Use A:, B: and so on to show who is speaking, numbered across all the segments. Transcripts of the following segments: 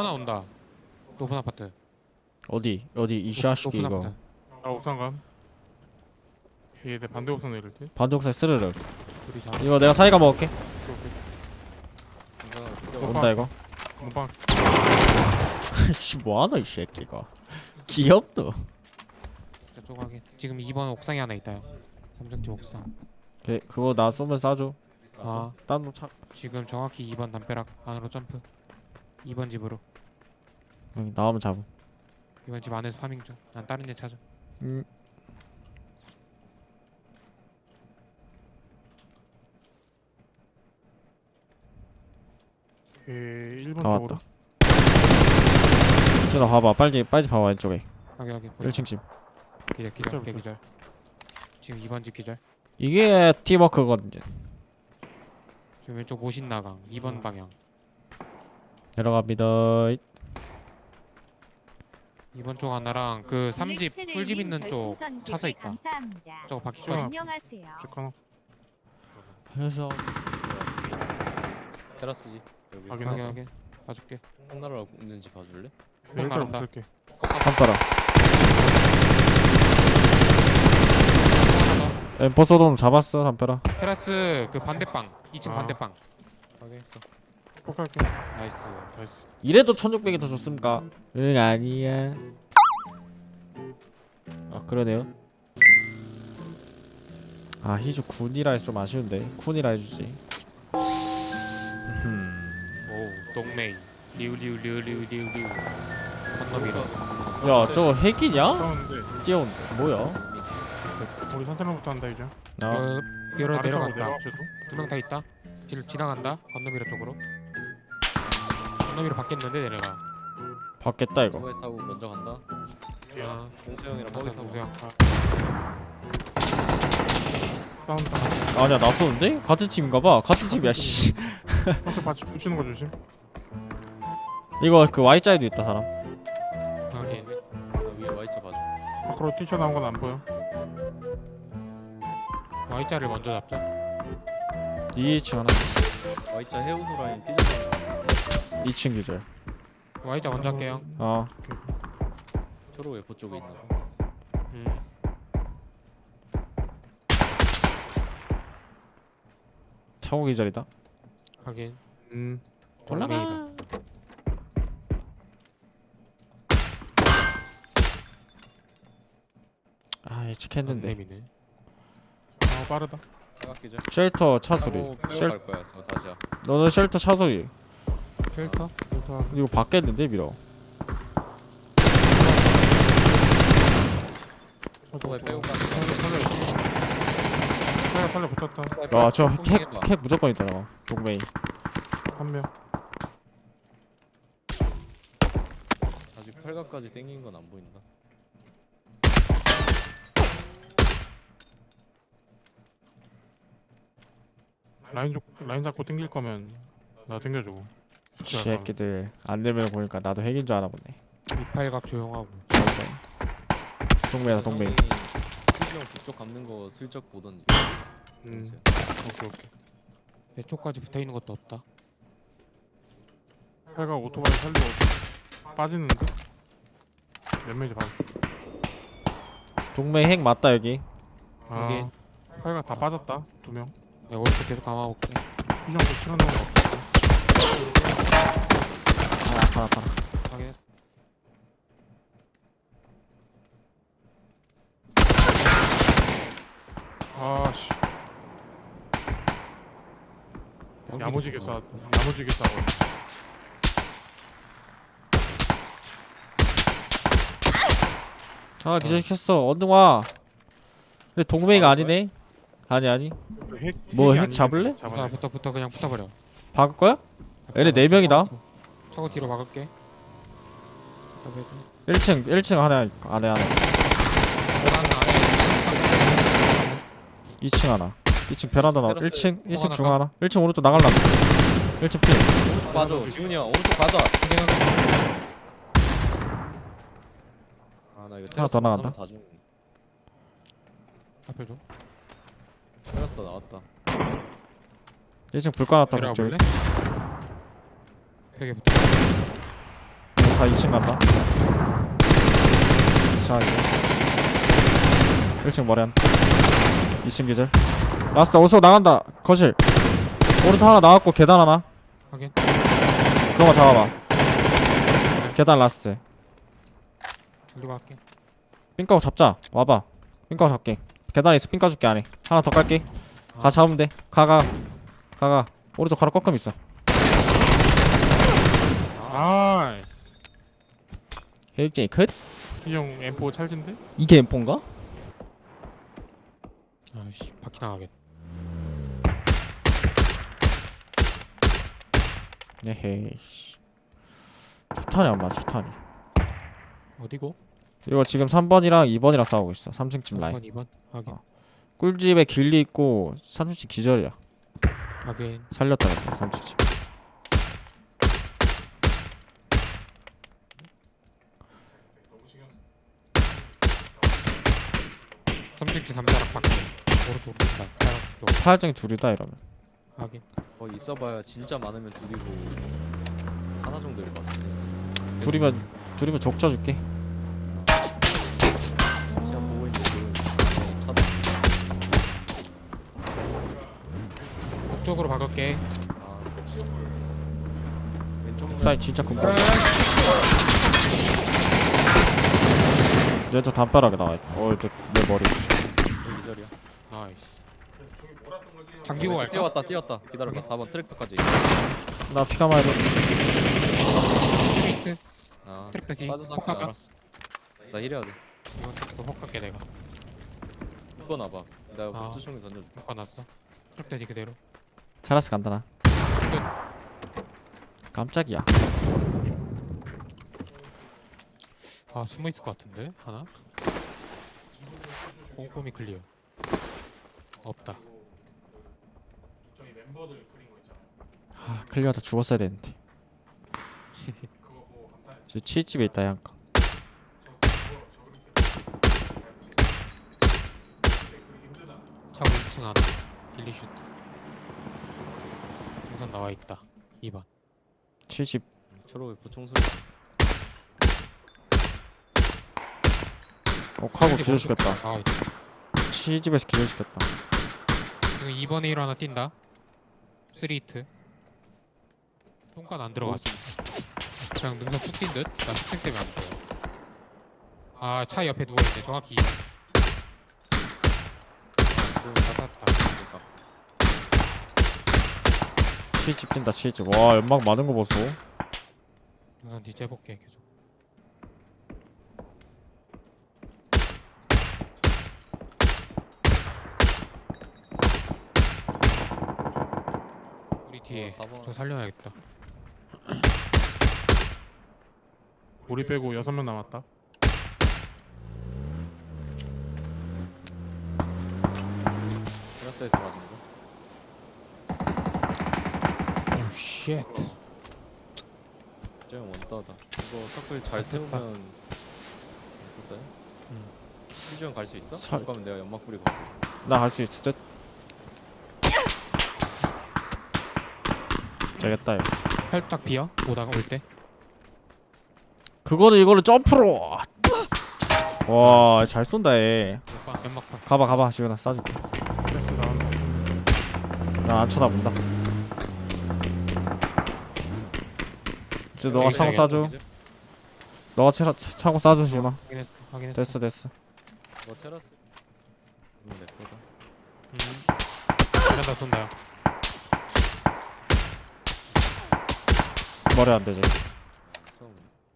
A: 하나 온다. 높은 아파트.
B: 어디 이 샤시기
A: 높은
B: 이거
A: 아파트.
C: 아 옥상감. 얘 내 반대 옥상 내릴 때.
B: 반동색 스르륵.
A: 둘이 자.
B: 이거 내가 사이가 먹을게.
C: 오케이.
B: 온다 이거.
C: 몸빵.
B: 씨 뭐하노 이 새끼가. 귀엽노.
A: 저쪽 확인. 지금 2번 옥상에 하나 있다요. 삼성집 옥상.
B: 그거 나 쏘면 쏴줘.
A: 아
B: 딴 차.
A: 지금 정확히 2번 담벼락 안으로 점프. 2번 집으로.
B: 여기 나오면 잡음.
A: 2번 집 안에서 파밍 중. 난 다른 애 찾아.
C: 예 1번
B: 다
C: 쪽으로.
B: 왔다. 준아 봐봐 빨리 봐봐 왼쪽에.
A: 여기
B: 1층 집.
A: 기절 기절. 지금 2번 집 기절.
B: 이게 팀워크거든요.
A: 지금 왼쪽 모신 나강 2번 방향.
B: 내려갑니다.
A: 2번 쪽 하나랑 그 3집 꿀집 있는 쪽 차서 있다.
D: 감사합니다.
A: 저거 바퀴까지.
D: 안녕하세요.
C: 쭉 하나.
B: 해서
E: 테라스지 여기
C: 확인했어.
A: 확인 봐줄게.
E: 콩나라로 있는지 봐줄래?
C: 네, 일자로
A: 나간다.
C: 붙을게.
B: 깜빡아. 엠포소돔 잡았어 담벼라.
A: 테라스 그 반대방 2층
C: 아.
A: 반대방.
E: 확인했어.
C: 폭할게.
A: 나이스.
C: 나이스.
B: 이래도 1600이 더 좋습니까? 응 아니야. 아 그러네요. 아 희주 군이라 해서 좀 아쉬운데 쿤이라 해주지.
A: 오 동메이 리우 건너미러.
B: 야 저거 핵이냐?
C: 싸우는데
B: 뛰어온다. 뭐야?
C: 우리 산사람부터 한다 이제.
B: 나
A: 밀어
C: 아래쪽으로
A: 내려간다.
C: 내려가셔도.
A: 2명 다 있다. 지나간다. 건너미러 쪽으로. 건너미러 받겠는데 내려가.
B: 받겠다 이거.
E: 버기 타고 먼저 간다.
A: 아,
E: 공수형이랑 버기 타고
A: 우세요.
C: 싸운다.
B: 아니야 나 쏘는데? 같은 팀인가봐. 같은 팀이야 씨.
C: 한쪽 받치 붙이는 거 조심.
B: 이거 그 Y자에도 있다 사람.
A: 확인.
E: 나 위에 Y자 봐줘.
C: 밖으로 뛰쳐나온 건 안 보여.
A: Y자를 먼저 잡자.
B: 2층 하나.
E: Y자 해우소 라인 삐져서
B: 2층 기절.
A: Y자 먼저 할게요.
B: 어.
E: 초로 웨포 쪽에 있나?
A: 음.
B: 차고 기절이다.
A: 확인.
B: 올라가.
A: 동메이다.
B: 아 예측했는데.
A: 동메이네.
C: 빠르다.
E: 사각기절.
B: 쉘터 차 소리.
E: 빼고
B: 쉘
E: 갈 거야. 저 다시야.
B: 너는 쉘터 차 소리.
A: 필터?
C: 그래서
B: 이거 받겠는데 밀어.
E: 초에 빼고 가.
C: 살려 붙었다.
B: 아저캡 무조건 있다 너. 동메이.
C: 한 명.
E: 아직 팔각까지 땡긴 건 안 보인다.
C: 라인 잡고 땡길 거면 나 땡겨주고.
B: 새끼들 안 되면 보니까 나도 핵인 줄 알아 보네.
A: 이팔각 조용하고.
B: 동메이다 동메이.
E: 희주형 북쪽 감는 거 슬쩍 보던지.
C: 오케이.
A: 내 쪽까지 붙어 있는 것도 없다.
C: 팔가 오토바이 살리고 빠지는데. 몇 명이지 봐.
B: 동메이 핵 맞다 여기.
C: 아. 팔가 다 빠졌다. 2명.
A: 내가 오른쪽 계속 감아볼게.
C: 희정도 시간 나온 거 없어.
B: 아파.
A: 확인했어.
C: 아씨. 야무지게 싸워.
B: 아 기절시켰어. 얼른 와. 근데 동메이가 아니네. 아니. 뭐, 핵 잡을래?
A: 붙어 그냥 붙어버려.
B: 박을 거야? 얘네 4명이다.
A: 차고 뒤로 막을게.
B: 1층 하나 안에.
A: 계단 안에
B: 2층 하나. 2층 베란다 나와.
E: 테라스
B: 1층 중 하나. 1층 오른쪽 나갈라. 1층 필.
E: 오른쪽 봐줘. 지훈이 형 오른쪽 가자. 아 나 이거
B: 하나 더 나간다.
E: 다 죽는.
A: 앞에 줘.
E: 테라스 나왔다.
B: 1층 불 꺼놨다.
A: 내려와
B: 그쪽에.
A: 볼래? 벽에 붙어.
B: 자 2층 간다. 자 이거 1층 머리 한 2층 기절. 라스트 어디서 나간다. 거실 오른쪽 하나 나왔고 계단 하나.
A: 확인.
B: 그런 거 잡아봐. 계단 라스트.
A: 들고 갈게.
B: 삥까고 잡자. 와봐. 삥까고 잡게. 계단에 있어. 삥까 줄게 안에. 하나 더 깔게. 가 잡으면 돼. 가가. 오른쪽 가로 꺾음 있어.
C: 나이스.
B: 헬쟁이 컷.
C: 이형 M4 찰진데?
B: 이게 M4인가?
A: 아이씨 바퀴 나가겠다.
B: 에헤이. 초탄이 안 맞아. 초탄이.
A: 어디고?
B: 이거 지금 3번이랑 2번이랑 싸우고 있어. 3층 집 라인.
A: 1번 2번 확인.
B: 꿀집에 길리 있고 3층 기절이야.
A: 확인.
B: 살렸다 그래. 3층 집.
A: 삼층치 3자락 바퀴. 오른쪽으로 뛴다. 빨간 쪽.
B: 파열증이 둘이다 이러면.
A: 확인.
E: 거기 있어봐야 진짜 많으면 둘이고 하나 정도일 것 같은데.
B: 둘이면 족쳐줄게.
E: 시간 보고 있는데 차도
A: 북쪽으로 바꿀게.
E: 아 왼쪽
B: 사이 진짜 금방. 얘저 담벼락에 나와있다. 내 머리.
E: 기절이야.
A: 나이스. 장기고 갈까?
E: 뛰었다. 기다려봐. 4번 트랙터까지.
B: 나 피가 많이 들.
A: 스트레이트.
E: 아
A: 트랙터 뒤.
E: 빠져서
A: 혹
E: 할게.
A: 갈까?
E: 알았어. 나 힐해야 돼.
A: 이거 트랙터 혹 갈게 내가.
E: 묶어 놔봐. 내가
A: 아.
E: 복수총이 던져줄게.
A: 바꿔놨어. 트랙터 뒤 그대로.
B: 잘했어 간다 나. 깜짝이야.
A: 아 숨어 있을 것 같은데 하나. 꼼꼼히 클리어. 없다.
B: 클리어다 죽었어야 되는데. 저 치즈집에 있다 양가.
A: 차고 2층 하나. 딜리 슈트. 우선 나와 있다. 2번.
B: 치즈집.
E: 초록의 보총 소리.
B: 하고 기절시켰다.
A: 아 있다.
B: 치즈집에서 기절시켰다.
A: 지금 2번에 1 하나 뛴다. 3히트. 똥간 안 들어갔어. 그냥 능선 툭 뛴 듯? 나 스택 때문에 안 보여. 아 차 옆에 누워있네. 정확히 2번. 아, 받았다.
B: 치즈집 뛴다 치즈. 와 연막 많은 거 보소.
A: 우선 뒤째 볼게 계속. 우리 뒤에
E: 4번.
A: 저 살려야겠다.
C: 우리 빼고 6명 남았다.
E: 테라스에서 맞은 거.
A: 오 쉣.
E: 쟤는 원따다. 이거 서클 잘 태우면 좋다. 수지형 갈 수 있어?
B: 살-
E: 못 가면 내가 연막 뿌리고.
B: 나 갈 수 있을 듯. 되겠다 이거.
A: 살짝 비어 오다가 올 때.
B: 그거는 이거를 점프로. 와 잘 쏜다 얘.
A: 연막판.
B: 가봐 지훈아 쏴줄게.
C: 그래서 나온
B: 난 안 쳐다본다. 이제 너가
A: 여기
B: 차고
A: 있어야겠다,
B: 쏴줘. 너가 차고 쏴줘 지훈아.
A: 확인했어.
B: 됐어.
E: 뭐 테라스. 이거 내 거다.
A: 이런다 쏜다.
B: 머리 안 되지.
E: 싸움.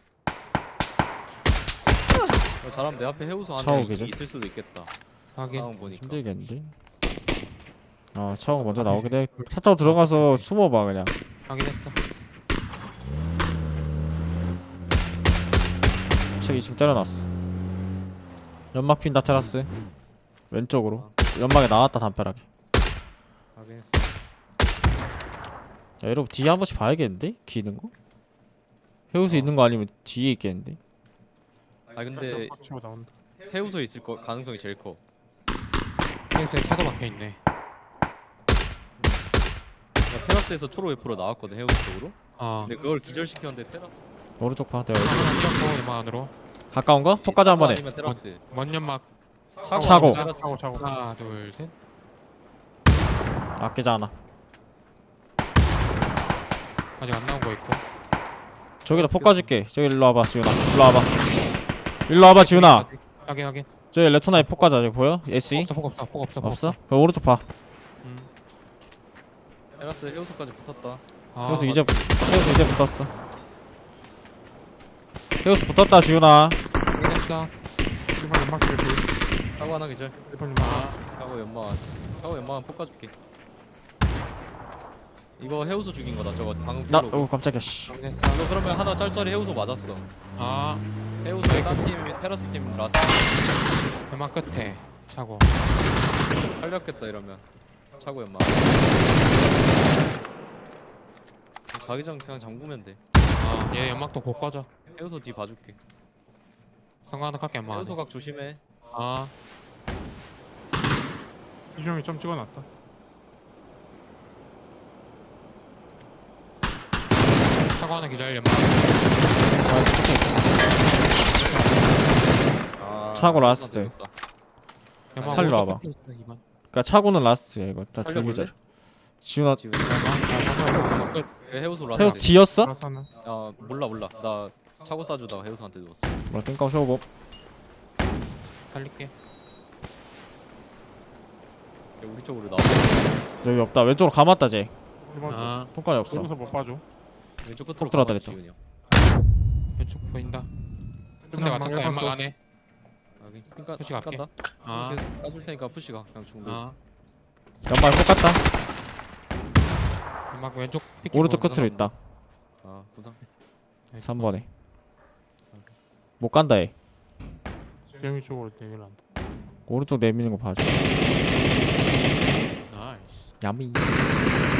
E: 잘하면 내 앞에 해우소
B: 차오
E: 안에
B: 계절?
E: 있을 수도 있겠다.
A: 확인.
E: 상황 보니까.
B: 힘들겠는데. 아 차고 먼저 나오게 돼. 차 타고 들어가서 숨어봐 그냥.
A: 확인했어.
B: 책 2층 때려놨어. 연막 핀다 테라스. 왼쪽으로. 연막에 나왔다 담벼락에.
E: 확인했어.
B: 야 여러분 뒤에 한 번씩 봐야겠는데? 기는 거? 해우수 있는 거 아니면 뒤에 있겠는데?
E: 아 근데
C: 치고 나온다.
E: 해우소에 있을 거 가능성이 제일 커.
A: 페이스에 차도 박혀있네.
E: 나 테라스에서 초록 F로 나왔거든 해우소 쪽으로.
A: 아
E: 근데 그걸 기절시켰는데 테라스
B: 오른쪽 봐. 내가
A: 뛰었고 연막 안으로.
B: 가까운 거? 폭까지 한 번에.
E: 아니면 테라스.
A: 먼 연막.
B: 차고.
E: 테라스.
C: 차고.
A: 하나 둘 셋.
B: 아끼지 않아.
A: 아직 안 나온 거 있고.
B: 저기다 폭 까줄게. 저기 일로 와봐 지훈아. 일로 와봐. 일로 와봐 지훈아.
A: 확인.
B: 저기 레토나에 폭 까자. 저기 보여? SE?
A: 폭 없어. 폭 없어.
B: 없어? 그럼 오른쪽 봐.
E: 테라스 해우소까지 붙었다.
B: 헤어스 이제 붙었어. 헤어스 붙었다 지훈아.
A: 확인했어.
C: 1번 연막 길
E: 차고 하나 기절.
C: 1번 연막.
E: 차고 연마한 폭 가줄게. 이거 해우소 죽인 거다. 저거 방금
B: 나
E: 풀로.
B: 깜짝이야 씨.
A: 확인했어.
E: 이거 그러면 하나 짤짤이 해우소 맞았어.
A: 아
E: 해우소에 딴팀 테라스 팀 라스
A: 연막 끝에 차고.
E: 살렸겠다 이러면. 차고 연마. 자기장 그냥 잠그면 돼.
A: 얘 연막도 곧 꺼져.
E: 해우소 뒤 봐줄게.
A: 상관은 할게 연막.
E: 해우소 각 조심해.
C: 수정이 점 찍어놨다.
A: 차고 하나 기다려 연막.
B: 차고 라스트.
E: 늦었다.
A: 연막
B: 살리러
A: 오른쪽
B: 와봐.
A: 끝에 있어, 이번.
B: 그니까 차고는 라스트야 이거. 다
E: 살려볼래?
B: 줄기절. 지훈아
E: 지금
A: 연막 끝.
E: 해우소 라스.
B: 헤어스 뒤였어?
C: 라스 하나.
E: 아 몰라. 나 차고 싸주다가 해우소한테 누웠어.
B: 뭐 땡깡 쇼고.
A: 살릴게.
E: 우리 쪽으로 나와.
B: 여기 없다. 왼쪽으로 감았다 쟤.
C: 1번
B: 똥까지 없어.
C: 여기서 못 봐줘.
E: 왼쪽 끝으로
B: 톡 들어왔다
E: 가봐,
B: 그랬죠.
E: 지훈이 형.
A: 왼쪽 보인다. 근데 맞췄어 연막 안에.
E: 여기 핑까
A: 푸시 갈게.
E: 깐다.
A: 아.
E: 계속 까줄 테니까 푸시가 그냥 중도.
B: 연말 똑같다.
A: 연막 왼쪽 픽.
B: 오른쪽 끝으로 있다.
E: 아 부상.
B: 3번에. 못 간다 얘.
C: 수정이 쪽으로 내밀어 한다.
B: 오른쪽 내미는 거 봐줘.
A: 나이스.
B: 야미.